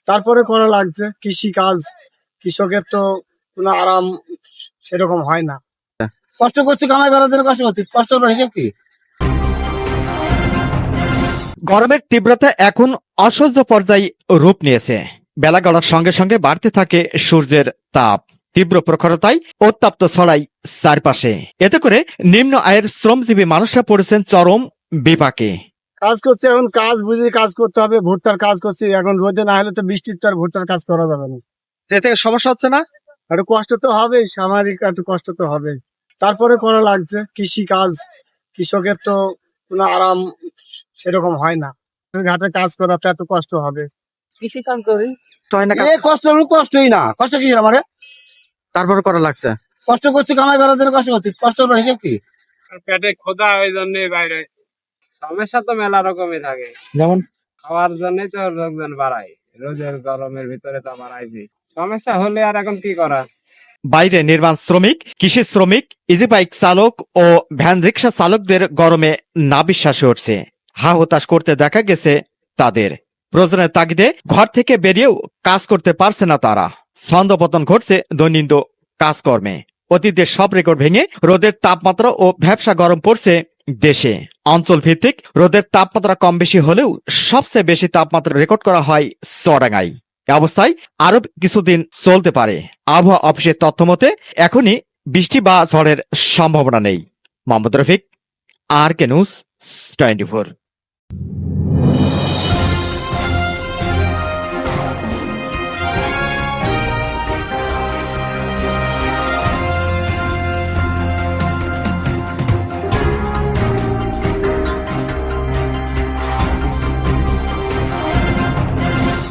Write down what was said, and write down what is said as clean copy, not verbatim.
তারপরে করা লাগছে কৃষি কাজ। কৃষকের তো কোনো আরাম সেরকম হয় না। কষ্ট করছি, কামাই করার জন্য কষ্ট করছি, কষ্টটার হিসেব কি? গরমের তীব্রতা এখন অসহ্য পর্যায়ে রূপ নিয়েছে। বেলা গড়ার সঙ্গে সঙ্গে বাড়তে থাকে সূর্যের তাপ। তীব্র প্রখরতায় উত্তপ্ত ছড়াই চারপাশে। এতে করে নিম্ন আয়ের শ্রমজীবী মানুষরা পড়েছেন চরম বিপাকে। কাজ করছি, এখন কাজ বুঝে কাজ করতে হবে। ভুট্টার কাজ করছি, এখন রোদে না হলে তো বৃষ্টির তো আর ভুট্টার কাজ করা যাবে না। এ থেকে সমস্যা হচ্ছে না? একটু কষ্ট তো হবে, সাময়িক একটু কষ্ট তো হবে। তারপরে করা লাগছে কৃষি কাজ। কৃষকের তো কোনো আরাম সেরকম হয় না। ঘাটে কাজ করা তো এত কষ্ট হবে। কৃষি কাজ করি, হয় না, কষ্ট হলো কষ্টই না, কষ্ট কি আমার? তারপরে করা লাগছে। কষ্ট করছি, কামাই করার জন্য কষ্ট করছি, কষ্টটার হিসেব কি? পেটে ক্ষুধা ওই জন্য বাইরে সমস্যা তো মেলা রকমই থাকে। যেমন খাওয়ার জন্যই তো লোকজন বাড়ায়, রোদের গরমের ভিতরে তো বাড়াইছি। সমস্যা হলে আর এখন কি করা। বাইরে নির্মাণ শ্রমিক, কৃষি শ্রমিক, ইজি বাইক চালক ও ভ্যান রিক্সা চালকদের গরমে না বিশ্বাসে উঠছে। হা হতাশ করতে দেখা গেছে তাদের। প্রয়োজনের তাগিদে ঘর থেকে বেরিয়েও কাজ করতে পারছে না তারা। ছন্দপতন ঘটছে দৈনন্দিন কাজকর্মে। অতীতের সব রেকর্ড ভেঙে রোদের তাপমাত্রা ও ভ্যাপসা গরম পড়ছে দেশে। অঞ্চল ভিত্তিক রোদের তাপমাত্রা কম বেশি হলেও সবচেয়ে বেশি তাপমাত্রা রেকর্ড করা হয় চুয়াডাঙ্গায়। এ অবস্থায় আরো কিছুদিন চলতে পারে। আবহাওয়া অফিসের তথ্য মতে এখনই বৃষ্টি বা ঝড়ের সম্ভাবনা নেই। Mohammad Rafiq, RK News 24।